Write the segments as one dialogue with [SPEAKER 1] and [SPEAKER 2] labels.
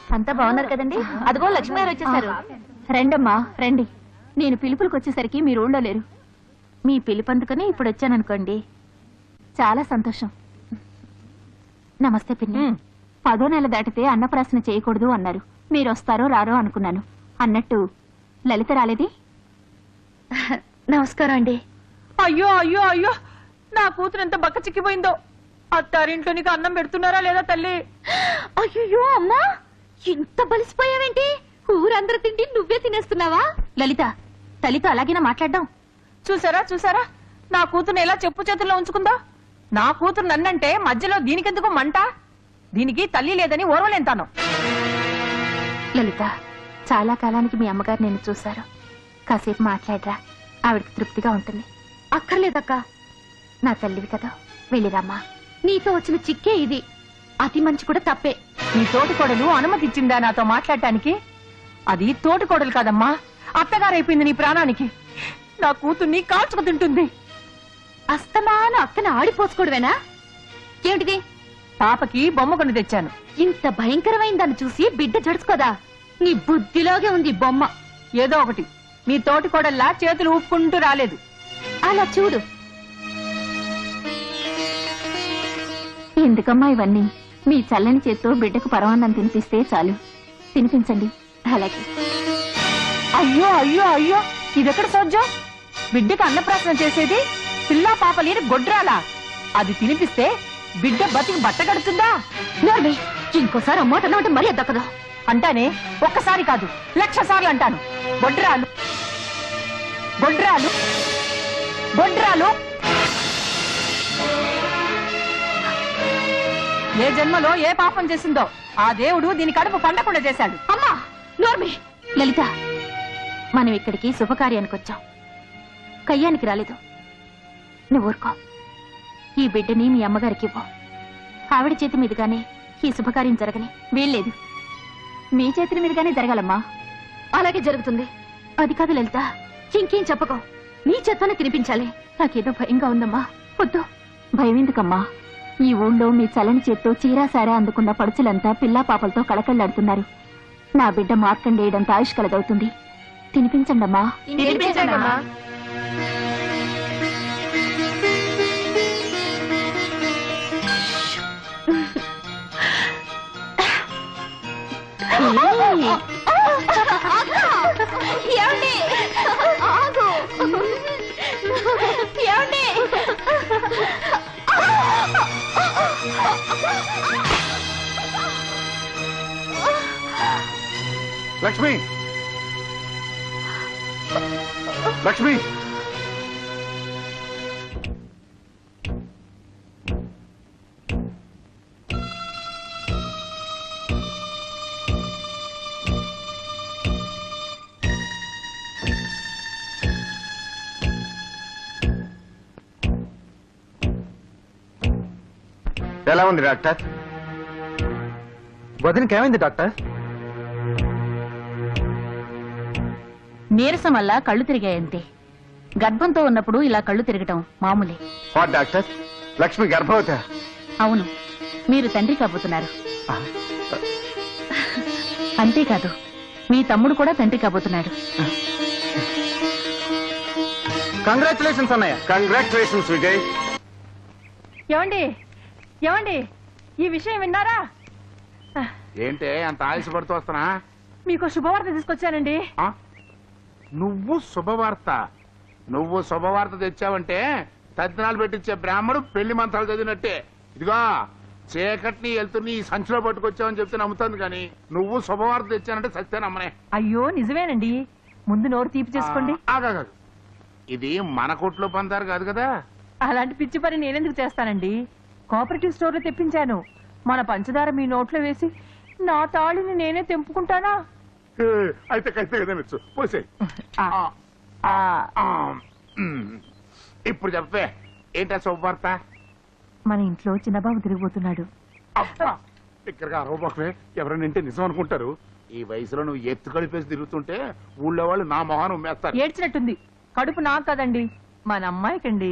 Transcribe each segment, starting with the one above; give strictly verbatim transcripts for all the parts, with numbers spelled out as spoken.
[SPEAKER 1] అంతా బాగున్నారు కదండి? అదిగో లక్ష్మి గారు వచ్చేసారు. రండమ్మా రండి. నేను పిలుపులకు వచ్చేసరికి మీరు ఊళ్ళో లేరు. మీ పిలుపు అందుకని ఇప్పుడు వచ్చాననుకోండి. చాలా సంతోషం. నమస్తే పిన్ని. పదో నెల దాటితే అన్నప్రాసన చేయకూడదు అన్నారు. మీరు వస్తారో రారో అనుకున్నాను. అన్నట్టు లలిత రాలేది? నమస్కారం అండి.
[SPEAKER 2] అయ్యో అయ్యో అయ్యో, నా కూతురు ఎంత బక్క చిక్కిపోయిందో. అత్తారింట్లో నీకు అన్నం పెడుతున్నారా లేదా తల్లి?
[SPEAKER 1] అయ్యో అమ్మా, ఇంత బలిసిపోయావేంటి? ఊరందరూ తిండి నువ్వే తినేస్తున్నావా? లలిత, తల్లితో అలాగేనా మాట్లాడడం?
[SPEAKER 2] చూసారా చూసారా, నా కూతురు ఎలా చెప్పు చేతుల్లో ఉంచుకుందా. నా కూతురు నన్నంటే మధ్యలో దీనికెందుకు మంట? దీనికి తల్లి లేదని ఓర్వలేంతాను.
[SPEAKER 1] లలిత, చాలా కాలానికి మీ అమ్మగారు నేను చూశారు. కాసేపు మాట్లాడరా, ఆవిడకి తృప్తిగా ఉంటుంది. అక్కర్లేదక్క, నా తల్లివి కదా, వెళ్ళిరమ్మా. నీతో వచ్చిన చిక్కే ఇది. అతి మంచి కూడా తప్పే.
[SPEAKER 2] నీ తోటికోడలు అనుమతి ఇచ్చిందా నాతో మాట్లాడటానికి? అది తోటికోడలు కాదమ్మా, అత్తగారైపోయింది నీ ప్రాణానికి. నా కూతుర్ని కాల్చుకు తింటుంది.
[SPEAKER 1] అస్తమాను అక్కన ఆడిపోసుకోవడమేనా? ఏమిటిది?
[SPEAKER 2] పాపకి బొమ్మ కొని తెచ్చాను.
[SPEAKER 1] ఇంత భయంకరమైన దాన్ని చూసి బిడ్డ జడుచుకోదా? నీ బుద్ధిలోగే ఉంది బొమ్మ.
[SPEAKER 2] ఏదో ఒకటి, నీ తోటికోడల్లా చేతులు ఊపుకుంటూ రాలేదు.
[SPEAKER 1] అలా చూడు. ఎందుకమ్మా ఇవన్నీ? మీ చల్లని చేత్తో బిడ్డకు పరమాన్నం తినిపిస్తే చాలు. తినిపించండి. అలాగే.
[SPEAKER 2] అయ్యో అయ్యో అయ్యో, ఇదెక్కడ సోజ్యం? బిడ్డకు అన్నప్రాసన చేసేది పిల్లా పాప లేని గొడ్రాలా? అది తినిపిస్తే బిడ్డ బతికి బట్ట కడుతుందా?
[SPEAKER 1] ఇంకోసారి అమ్మాట మరీ దక్కదు.
[SPEAKER 2] అంటానే, ఒక్కసారి కాదు లక్ష సార్లు అంటాను. గొడ్రాలు గొడ్రాలు గొడ్రాలు. ఏ జన్మలో ఏ పాపం చేసిందో ఆ దేవుడు దీని కడుపు పండకుండా చేశాడు.
[SPEAKER 1] అమ్మా నోర్మి. లలిత, మనం ఇక్కడికి శుభకార్యానికి వచ్చాం, కయ్యానికి రాలేదు. నువ్వు ఊరుకో. ఈ బిడ్డని మీ అమ్మగారికి ఇవ్వు. ఆవిడ చేతి మీదుగానే ఈ శుభకార్యం జరగని వీల్లేదు. మీ చేతుల మీదుగానే జరగాలమ్మా. అలాగే జరుగుతుంది. అది కాదు లలిత, ఇంకేం చెప్పకో. నీ చేత్తోనే తినిపించాలి. నాకేదో భయంగా ఉందమ్మా. వద్దు. భయం ఎందుకమ్మా? ఈ ఊళ్ళో మీ చలని చేత్తో చీరాసారా అందుకున్న పడుచులంతా పిల్లా పాపలతో కళకళ్లాడుతున్నారు. నా బిడ్డ మార్కండేయడంత ఆయుష్ కలదవుతుంది. తినిపించండమ్మా.
[SPEAKER 2] తినిపించండమ్మా.
[SPEAKER 1] ఏమండి? ఆగు. ఏమండి?
[SPEAKER 3] లక్ష్మి, లక్ష్మి, ఎలా ఉంది డాక్టర్?
[SPEAKER 4] వదినకి ఏమైంది డాక్టర్?
[SPEAKER 1] నీరసం వల్ల కళ్ళు తిరిగాయంతే. గర్భంతో ఉన్నప్పుడు ఇలా కళ్ళు తిరగటం మామూలే.
[SPEAKER 3] వాట్ డాక్టర్, లక్ష్మి గర్భవతి?
[SPEAKER 1] అవును, మీరు తండ్రి కాబోతున్నారు. అంతేకాదు, మీ తమ్ముడు కూడా తండ్రి కాబోతున్నాడు.
[SPEAKER 4] కంగ్రాచులేషన్స్ అన్నయ్య.
[SPEAKER 3] కంగ్రాచులేషన్స్ విజయ్.
[SPEAKER 2] ఏమండి ఏమండి, ఈ విషయం విన్నారా?
[SPEAKER 3] ఏంటే అంత ఆయుషపడుతూ వస్తున్నా?
[SPEAKER 2] మీకు శుభవార్త తీసుకొచ్చానండి.
[SPEAKER 3] నువ్వు శుభవార్త? నువ్వు శుభవార్త తెచ్చావంటే తద్దినాలు పెట్టించే బ్రాహ్మడు పెళ్లి మంత్రాలు చదివినట్టే. ఇదిగో చీకటిని వెళ్తుని ఈ సంచిలో పట్టుకొచ్చావని చెప్తే నమ్ముతుంది, కానీ నువ్వు శుభవార్త తెచ్చానంటే సత్తే నమ్మనే.
[SPEAKER 2] అయ్యో నిజమేనండి. ముందు నోరు తీపి చేసుకోండి.
[SPEAKER 3] ఆగాదు, ఇది మన కొట్లో పందారు కాదు కదా.
[SPEAKER 2] అలాంటి పిచ్చి పని నేనెందుకు చేస్తానండి? కోఆపరేటివ్ స్టోర్ లో తెప్పించాను. మన పంచదార మీ నోట్లో వేసి నా తాళిని నేనే తెంపుకుంటానా?
[SPEAKER 3] అయితే కైతే కదా పోసే. ఇప్పుడు చెప్పే, ఏంటా శుభవార్త?
[SPEAKER 2] మన ఇంట్లో చిన్నబాబు తిరిగిపోతున్నాడు.
[SPEAKER 3] ఇక్కడగా అరవబాకులే, ఎవరైనా వింటే నిజం అనుకుంటారు. ఈ వయసులో నువ్వు ఎత్తు కలిపేసి తిరుగుతుంటే ఊళ్ళో వాళ్ళు నా మొహాన్ని ఉమ్మేస్తారు.
[SPEAKER 2] ఏడ్చినట్టుంది. కడుపు నాకు కదండి, మన అమ్మాయికండి.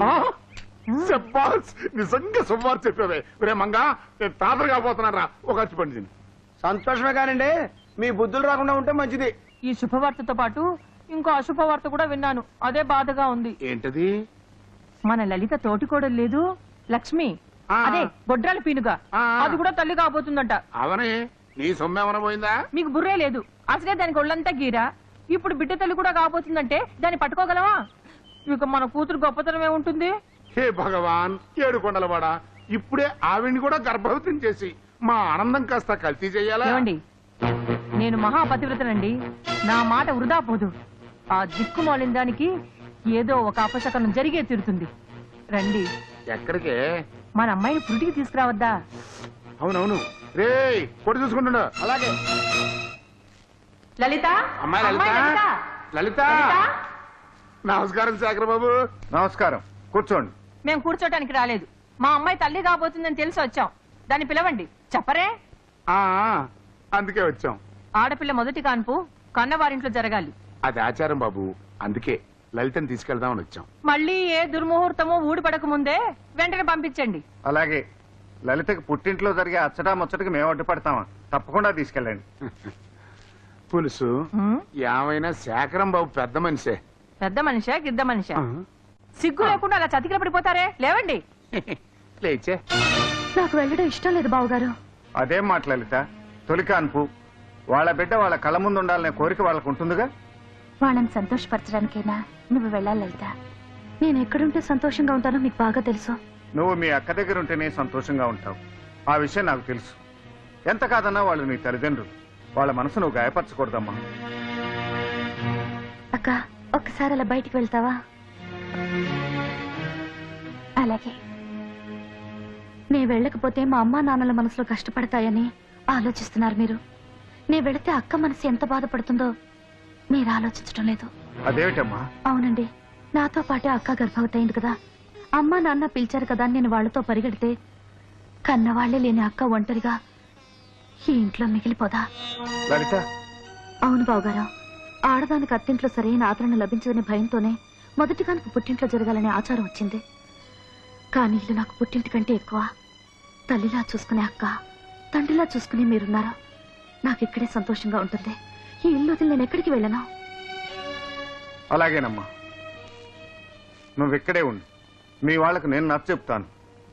[SPEAKER 3] నిజంగా శుభవార్త చెప్పావే. రే మంగా, నేను తాతలు కాబోతున్నారా? ఒక ఖర్చు పండి
[SPEAKER 5] సంతోషమే కానండి మీ బుద్ధులు రాకుండా ఉంటే మంచిది.
[SPEAKER 2] ఈ శుభవార్తతో పాటు ఇంకో అశుభవార్త కూడా విన్నాను. అదే బాధగా ఉంది.
[SPEAKER 3] ఏంటది?
[SPEAKER 2] మన లలిత తోటికోడలు లేదు లక్ష్మి,
[SPEAKER 3] ఆ.
[SPEAKER 2] అదే గొడ్రాల పీనుగా,
[SPEAKER 3] ఆ.
[SPEAKER 2] అది కూడా తల్లి కాబోతుందంట.
[SPEAKER 3] అవనే నీ సొమ్మేమన పోయిందా?
[SPEAKER 2] మీకు బుర్రే లేదు. అసలే దానికి ఒళ్ళంతా గీరా. ఇప్పుడు బిడ్డ తల్లి కూడా కాబోతుందంటే దాన్ని పట్టుకోగలవా? ఇక మన కూతురు గొప్పతనమే ఉంటుంది.
[SPEAKER 3] హే భగవాన్, ఏడు కొండలవాడా, ఇప్పుడే ఆవిడ్ని కూడా గర్భవతిని చేసి మా ఆనందం కాస్త కల్తీ చెయ్యాలా?
[SPEAKER 2] ఏమండి, నేను మహాపతివ్రతనండి. నా మాట వృధా పోదు. ఆ దిక్కుమాలిన దానికి ఏదో ఒక అపశకనం జరిగే తీరుతుంది. రండి,
[SPEAKER 3] ఎక్కడికే?
[SPEAKER 2] మన అమ్మాయిని పురిటికి తీసుకురావద్దా?
[SPEAKER 3] అవునవును. రే కొడు చూసుకుంటున్నా.
[SPEAKER 5] అలాగే.
[SPEAKER 2] లలిత,
[SPEAKER 3] అమ్మాయి లలిత,
[SPEAKER 2] అమ్మాయి లలిత,
[SPEAKER 3] లలిత.
[SPEAKER 2] లలిత.
[SPEAKER 3] నమస్కారం శేఖర్ బాబు.
[SPEAKER 4] నమస్కారం, కూర్చోండి.
[SPEAKER 2] మేము కూర్చోటానికి రాలేదు. మా అమ్మాయి తల్లి కాబోతుందని తెలిసి వచ్చాం. దాన్ని పిలవండి. చెప్పరే?
[SPEAKER 3] ఆ అందుకే వచ్చాం.
[SPEAKER 2] ఆడపిల్ల మొదటి కాన్పు కన్నవారింట్లో జరగాలి.
[SPEAKER 3] అది ఆచారం బాబు, అందుకే లలితని తీసుకెళ్దామని వచ్చాం.
[SPEAKER 2] మళ్ళీ ఏ దుర్ముహూర్తమో ఊడిపడక ముందే వెంటనే పంపించండి.
[SPEAKER 4] అలాగే. లలితకి పుట్టింట్లో జరిగే అచ్చటా ముచ్చటకి మేము అడ్డుపడతామా? తప్పకుండా తీసుకెళ్ళండి.
[SPEAKER 3] పులుసు
[SPEAKER 2] హ్మ్?
[SPEAKER 3] ఏమైనా శేఖరం బాబు పెద్ద మనిషే.
[SPEAKER 2] పెద్ద మనిషా గిద్ద మనిషా? సిగ్గు లేకుండా అలా చతికిల పడిపోతారే? లేవండి.
[SPEAKER 3] లేచే.
[SPEAKER 1] నాకు వెళ్ళడం ఇష్టం లేదు బావగారు.
[SPEAKER 4] అదేం మాట లలిత, తొలి కాన్పు, వాళ్ళ బిడ్డ వాళ్ళ కళ్ళ ముందు ఉండాలనే కోరిక వాళ్ళకు ఉంటుందిగా.
[SPEAKER 1] వాళ్ళని సంతోషపరచడానికైనా నువ్వు వెళ్ళాలి లలిత. నేను ఎక్కడుంటే సంతోషంగా ఉంటానో మీకు బాగా తెలుసు.
[SPEAKER 4] నువ్వు మీ అక్క దగ్గర ఉంటేనే సంతోషంగా ఉంటావు. ఆ విషయం నాకు తెలుసు. ఎంత కాదన్నా వాళ్ళు నీ తల్లిదండ్రులు. వాళ్ళ మనసు నువ్వు గాయపరచకూడదమ్మా.
[SPEAKER 1] అక్క, ఒక్కసారి అలా బయటికి వెళ్తావా? అలాగే. నే వెళ్ళకపోతే మా అమ్మా నాన్నల మనసులో కష్టపడతాయని ఆలోచిస్తున్నారు మీరు. నే వెళితే అక్క మనసు ఎంత బాధపడుతుందో మీరు ఆలోచించడం లేదు.
[SPEAKER 4] అదేమిటమ్మా?
[SPEAKER 1] అవునండి, నాతో పాటే అక్క గర్భవతి అయింది కదా. అమ్మా నాన్న పిలిచారు కదా అని నేను వాళ్లతో పరిగెడితే కన్నవాళ్లే లేని అక్క ఒంటరిగా ఈ ఇంట్లో మిగిలిపోదా?
[SPEAKER 4] లలిత,
[SPEAKER 1] అవును బావగారు. ఆడదానికి అత్తింట్లో సరైన ఆదరణ లభించదనే భయంతోనే మొదటి కానుక పుట్టింట్లో జరగాలనే ఆచారం వచ్చింది. కానీ ఇల్లు నాకు పుట్టింటి కంటే ఎక్కువ. తల్లిలా చూసుకునే అక్క, తండ్రిలా చూసుకునే మీరున్నారా? నాకు ఇక్కడే సంతోషంగా ఉంటుంది. ఈ ఇల్లు వదిలి నేను ఎక్కడికి వెళ్ళను.
[SPEAKER 4] అలాగేనమ్మా, నువ్వు ఇక్కడే ఉండు. మీ వాళ్లకు నేను నచ్చ చెప్తాను.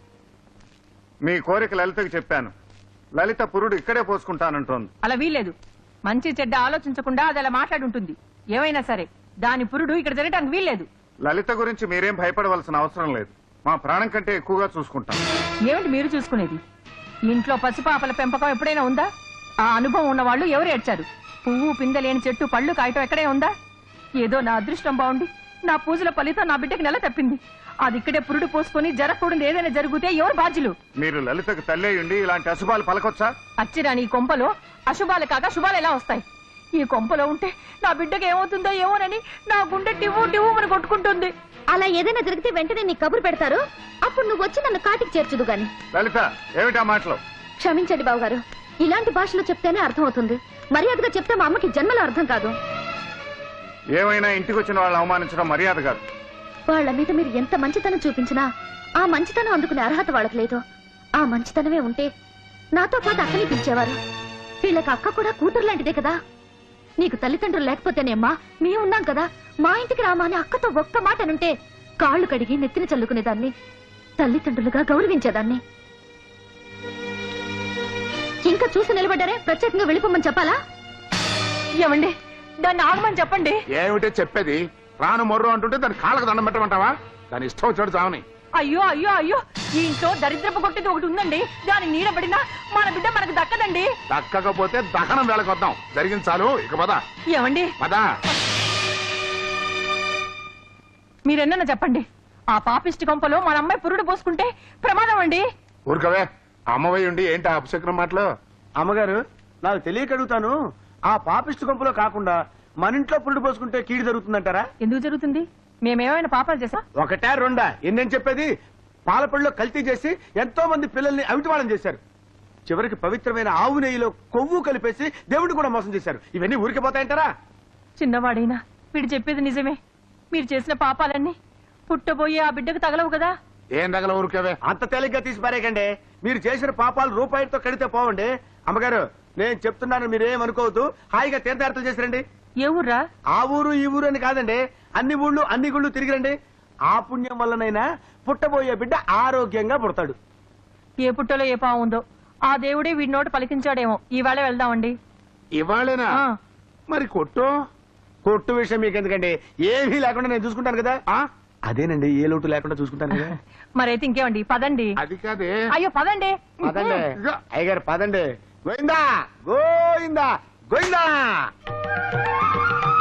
[SPEAKER 4] మీ కోరిక లలితకు చెప్పాను. లలిత పురుడు ఇక్కడే పోసుకుంటానంటోంది.
[SPEAKER 2] అలా వీల్లేదు. మంచి చెడ్డ ఆలోచించకుండా అది అలా మాట్లాడుంటుంది. ఏమైనా సరే దాని పురుడు ఇక్కడ జరగటానికి వీల్లేదు.
[SPEAKER 4] లలిత గురించి మీరేం భయపడవలసిన అవసరం లేదు. మా ప్రాణం కంటే ఎక్కువగా చూసుకుంటాం.
[SPEAKER 2] ఏమిటి మీరు చూసుకునేది? ఇంట్లో పసిపాపల పెంపకం ఎప్పుడైనా ఉందా? ఆ అనుభవం ఉన్న వాళ్ళు ఎవరు ఏడ్చారు? పువ్వు పిందలేని చెట్టు పళ్ళు కాయటం ఎక్కడే ఉందా? ఏదో నా అదృష్టం బాగుండి నా పూజల ఫలితం నా బిడ్డకి నెల తప్పింది. అది ఇక్కడే పురుడు పోసుకొని జరగకూడదు ఏదైనా జరిగితే ఎవరు బాధ్యులు?
[SPEAKER 4] మీరు లలితకు తల్లే ఉండి ఇలాంటి అశుభాలు పలకొచ్చా?
[SPEAKER 2] అచ్చిరాని ఈ కొంపలో అశుభాలు కాక శుభాలు ఎలా వస్తాయి? ఈ కొంపలో ఉంటే నా బిడ్డకి ఏమవుతుందో ఏమోనని నా గుండె టివ్వు టివ్వు అని కొట్టుకుంటుంది.
[SPEAKER 1] అలా ఏదైనా జరిగితే వెంటనే నీ కబురు పెడతారు. అప్పుడు నువ్వు వచ్చి నన్ను కాటికి చేర్చుదు గాని.
[SPEAKER 4] లలిత, ఏమిటా మాటలు?
[SPEAKER 1] క్షమించండి బావగారు, ఇలాంటి భాషలో చెప్తేనే అర్థం అవుతుంది. మర్యాదగా చెప్తే మా అమ్మకి జన్మలో అర్థం కాదు.
[SPEAKER 4] ఏమైనా ఇంటికి వచ్చిన వాళ్ళు అవమానించడం మర్యాద కాదు.
[SPEAKER 1] వాళ్ళ మీద మీరు ఎంత మంచితనం చూపించినా ఆ మంచితనం అందుకునే అర్హత వాళ్ళకి లేదు. ఆ మంచితనమే ఉంటే నాతో పాటు అక్కని పిలిచేవారు. వీళ్ళకి అక్క కూడా కూతురు లాంటిదే కదా. నీకు తల్లిదండ్రులు లేకపోతేనేమ్మా మేము ఉన్నాం కదా. మా ఇంటికి రామా అని అక్కతో ఒక్క మాట అనుంటే కాళ్ళు కడిగి నెత్తిన చల్లుకునేదాన్ని, తల్లిదండ్రులుగా గౌరవించేదాన్ని. ఇంకా చూసి నిలబడ్డారే, ప్రత్యేకంగా వెళ్ళిపోమని చెప్పాలా?
[SPEAKER 2] ఏమండి, దాన్ని ఆగమని చెప్పండి.
[SPEAKER 3] ఏమిటే చెప్పేది? రాను మొర్రు అంటుంటే దాని కాళ్ళకు దండం పెట్టమంటావా? దాని ఇష్టం వచ్చాడు చావని.
[SPEAKER 2] అయ్యో అయ్యో అయ్యో, ఈ ఇంట్లో దరిద్రపు కొట్టేది ఒకటి ఉందండి. దాని నీడబడినా మన బిడ్డ మనకు దక్కదండి.
[SPEAKER 3] దక్కకపోతే దహనం వేళకొద్దాం. జరిగింది చాలు, ఇక పద
[SPEAKER 2] ఏమండి,
[SPEAKER 3] పద.
[SPEAKER 2] మీరెన్న చెప్పండి. ఆ పాపిష్టి కొంపలో మన అమ్మాయి పురుడు పోసుకుంటే ప్రమాదం అండి.
[SPEAKER 3] ఊరుకవే, అమ్మవై ఉండి ఏంటి ఆ అపశకునం మాటలు?
[SPEAKER 5] అమ్మగారు, నాకు తెలియక అడుగుతాను. ఆ పాపిష్టి కొంపలో కాకుండా మన ఇంట్లో పురుడు పోసుకుంటే కీడు జరుగుతుందంటారా?
[SPEAKER 2] ఎందుకు జరుగుతుంది? మేమేమైనా పాపాలు చేసా?
[SPEAKER 5] ఒకటే రెండా? ఎన్నేం చెప్పేది? పాలపళ్ళలో కల్తీ చేసి ఎంతో మంది పిల్లల్ని అవిటివాళం చేశారు. చివరికి పవిత్రమైన ఆవు నెయ్యిలో కొవ్వు కలిపేసి దేవుడు కూడా మోసం చేశారు. ఇవన్నీ ఊరికి పోతాయంటారా?
[SPEAKER 2] చిన్నవాడైనా వీడు చెప్పేది నిజమే. మీరు చేసిన పాపాలన్నీ పుట్టబోయే ఆ బిడ్డకు తగలవు కదా.
[SPEAKER 3] ఏం తగల ఊరుకవే.
[SPEAKER 5] అంత తేలిగ్గా తీసి పారేకండి. మీరు చేసిన పాపాలు రూపాయితో కడితే పోవండి. అమ్మగారు, నేను చెప్తున్నాను మీరేమనుకోవద్దు. హాయిగా తీర్థయాత్రలు చేసిరండి.
[SPEAKER 2] ఏ ఊర్రా?
[SPEAKER 5] ఆ ఊరు ఈ ఊరు అని కాదండి, అన్ని ఊళ్ళు అన్ని గుళ్ళు తిరిగిరండి. ఆ పుణ్యం వల్లనైనా పుట్టబోయే బిడ్డ ఆరోగ్యంగా పుడతాడు.
[SPEAKER 2] ఏ పుట్టలో ఏ పావు ఉందో ఆ దేవుడే వీడి నోట పలికించాడేమో. ఈవేళ వెళ్దామండి.
[SPEAKER 3] ఇవాళేనా?
[SPEAKER 2] ఆ.
[SPEAKER 3] మరి కొట్టు
[SPEAKER 5] కొట్టు విషయం మీకు ఎందుకండి, ఏమీ లేకుండా నేను చూసుకుంటాను కదా.
[SPEAKER 3] ఆ?
[SPEAKER 5] అదేనండి, ఏ లోటు లేకుండా చూసుకుంటాను కదా.
[SPEAKER 2] మరైతే ఇంకేమండి, పదండి.
[SPEAKER 3] అది కాదే.
[SPEAKER 2] అయ్యో పదండి.
[SPEAKER 5] పదండి
[SPEAKER 3] ఇదిగో.
[SPEAKER 5] అయ్యగారు, పదండి. గోయిందా గోయిందా గోయిందా.